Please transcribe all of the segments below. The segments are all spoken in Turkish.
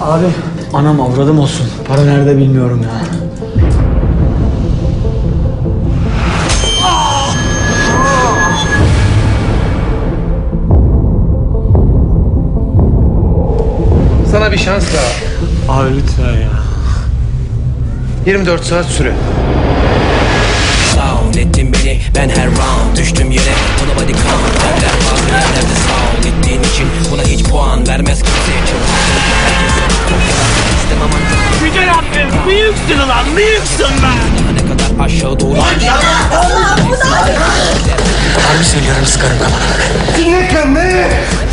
Abi anam avradım olsun. Para nerede bilmiyorum ya. Sana bir şans daha. Abi lütfen ya. 24 saat süre. Sound ettin beni ben her round düştüm yere buna body count derler bazı yerlerde sound ettiğin için buna hiç puan vermez kimse çalışsın herkese istemem ancak Güzel abim büyüksün ulan büyüksün be. daha ne kadar aşağı doğru Harbi söylüyorum sıkarım kafana. Ne?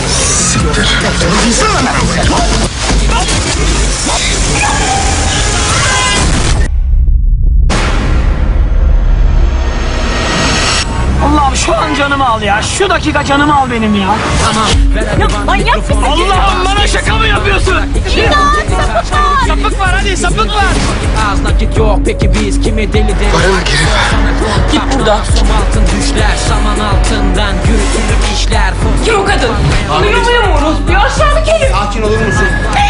Allah'ım şu an canımı al ya. Şu dakika canımı al benim ya. ya manyak mısın? Allah'ım bana şaka mı yapıyorsun? Sapık var hadi sapık var. az nakit yok peki biz kimi deli deli Paranı geri ver. git buradan som altın düşler saman altından yürütülür işler Kim o kadın? Duymuyor mu Rus? Bir aşağılık herif. Sakin olur musun?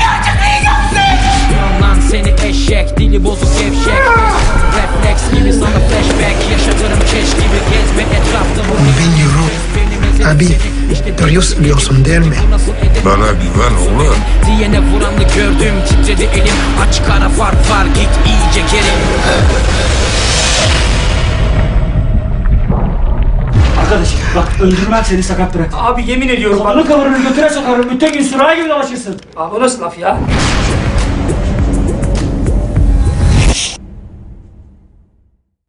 Lan seni eşek dili bozuk gevşek refleks gibi sana flashback yaşadırım keş gibi gezme etrafta bu Bilmiyorum. Abi, biliyorsun değil mi? Bana güven oğlum. diyene vuranlı gördüm titredi elim aç kara fark var git iyice geri Arkadaş bak öldürmem seni sakat bırak. Abi yemin ediyorum bak. Kavrunu götüre sokarım. Bütün gün sürahi gibi dolaşırsın. Abi o nasıl laf ya?